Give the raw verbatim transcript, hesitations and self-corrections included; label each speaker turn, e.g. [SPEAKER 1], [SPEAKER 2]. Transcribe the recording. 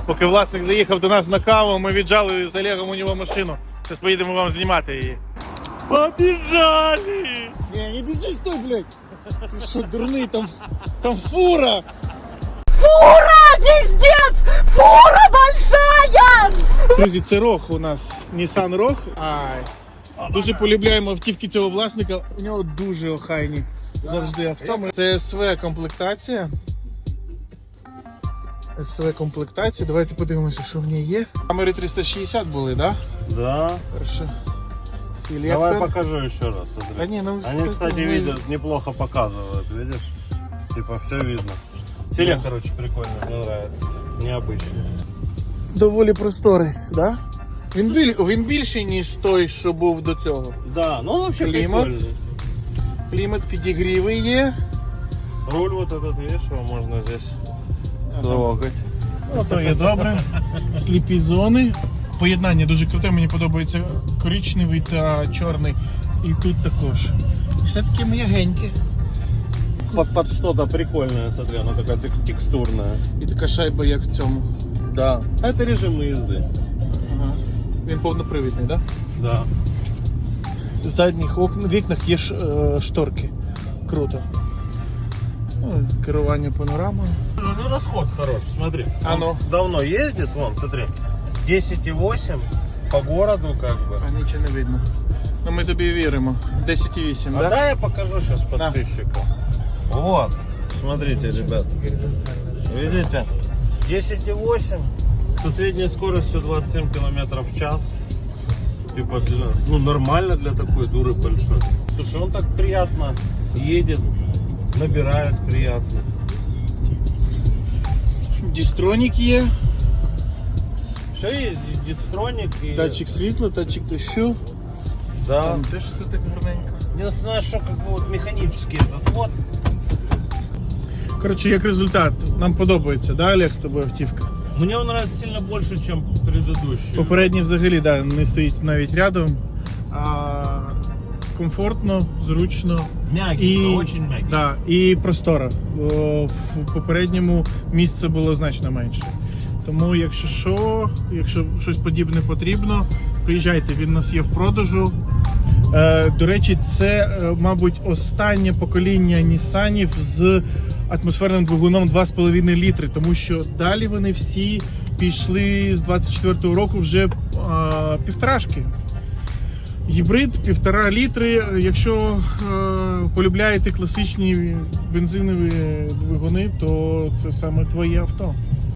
[SPEAKER 1] Поки власник заїхав до нас на каву, ми віджали з Олегом у нього машину. Зараз поїдемо вам знімати її. Побіжали!
[SPEAKER 2] Не, не бежи, стой, блядь! Ты что, дурный, там, там фура!
[SPEAKER 3] Фура, пиздец! Фура большая!
[SPEAKER 1] Друзі, це Рог у нас, Nissan Rogue. Ай. Дуже полюбляємо автівки цього власника, у нього дуже охайні завжди авто. Це ес ве комплектація. ес ве комплектація, давайте подивимося, що в ній є. Камери триста шістдесят були, так? Да?
[SPEAKER 4] Да.
[SPEAKER 1] Хорошо. Селектор.
[SPEAKER 4] Давай покажу еще раз. Смотри.
[SPEAKER 1] Да не, ну,
[SPEAKER 4] Они,
[SPEAKER 1] кстати,
[SPEAKER 4] кстати,
[SPEAKER 1] мы-
[SPEAKER 4] видят, неплохо показывают, видишь? Типа все видно. Селектор очень прикольный, мне нравится. Необычный.
[SPEAKER 1] Доволі просторий, так? Да? Він, біль... Він більший, ніж той, що був до цього.
[SPEAKER 4] Да, ну он вообще
[SPEAKER 1] Климат.
[SPEAKER 4] прикольный.
[SPEAKER 1] Клімат, підігріви є.
[SPEAKER 4] Руль вот этот, видишь, его можно здесь трогать.
[SPEAKER 1] Ну, то є добре. Сліпі зони. Поєднання дуже круте, мені подобається коричневий та чорний. І тут також. Все таки м'ягеньке.
[SPEAKER 4] Под, под что-то прикольное, смотри, она такая тек- текстурная.
[SPEAKER 1] І така шайба, як в цьому.
[SPEAKER 4] Да. А это режим езды.
[SPEAKER 1] Ага. Він повнопривідний, так? Да?
[SPEAKER 4] Да.
[SPEAKER 1] В задніх окн... вікнах є ш... е, шторки. Круто. Ну, керування панорамою.
[SPEAKER 4] Ну расход хороший, смотри.
[SPEAKER 1] А
[SPEAKER 4] Он
[SPEAKER 1] ну.
[SPEAKER 4] давно ездит, вон, смотри. десять и восемь по городу как бы.
[SPEAKER 1] А нічого не видно. Ну ми тобі віримо. десять і вісім,
[SPEAKER 4] А
[SPEAKER 1] так?
[SPEAKER 4] да, я покажу сейчас подписчику. Вот, смотрите, ребят. Видите? десять и восемь со средней скоростью двадцать семь километров в час. Типа, для, ну, нормально для такой дуры большой. Слушай, он так приятно едет, набирает приятно.
[SPEAKER 1] Дістронік є,
[SPEAKER 4] Все есть, и дистроник, и...
[SPEAKER 1] датчик світла, датчик дощу.
[SPEAKER 4] Да.
[SPEAKER 1] Там теж все так гарненько.
[SPEAKER 4] Единственное, что как бы вот механический этот вот.
[SPEAKER 1] Коротше, як результат, нам подобається, да, Олег, з тобою автівка?
[SPEAKER 4] Мне он нравится сильно больше, чем предыдущий.
[SPEAKER 1] Попередній взагалі, да, не стоїть навіть рядом. А, комфортно, зручно.
[SPEAKER 4] Мягенько, очень мягенько.
[SPEAKER 1] Да, і простора. Бо в попередньому місце було значно менше. Тому, якщо що, якщо щось подібне потрібно, приїжджайте, він у нас є в продажу. Е, до речі, це, е, мабуть, останнє покоління Нісанів з атмосферним двигуном два з половиною літри, тому що далі вони всі пішли з двадцять четвертого року вже е, півторашки. Гібрид півтора літри. Якщо е, полюбляєте класичні бензинові двигуни, то це саме твоє авто.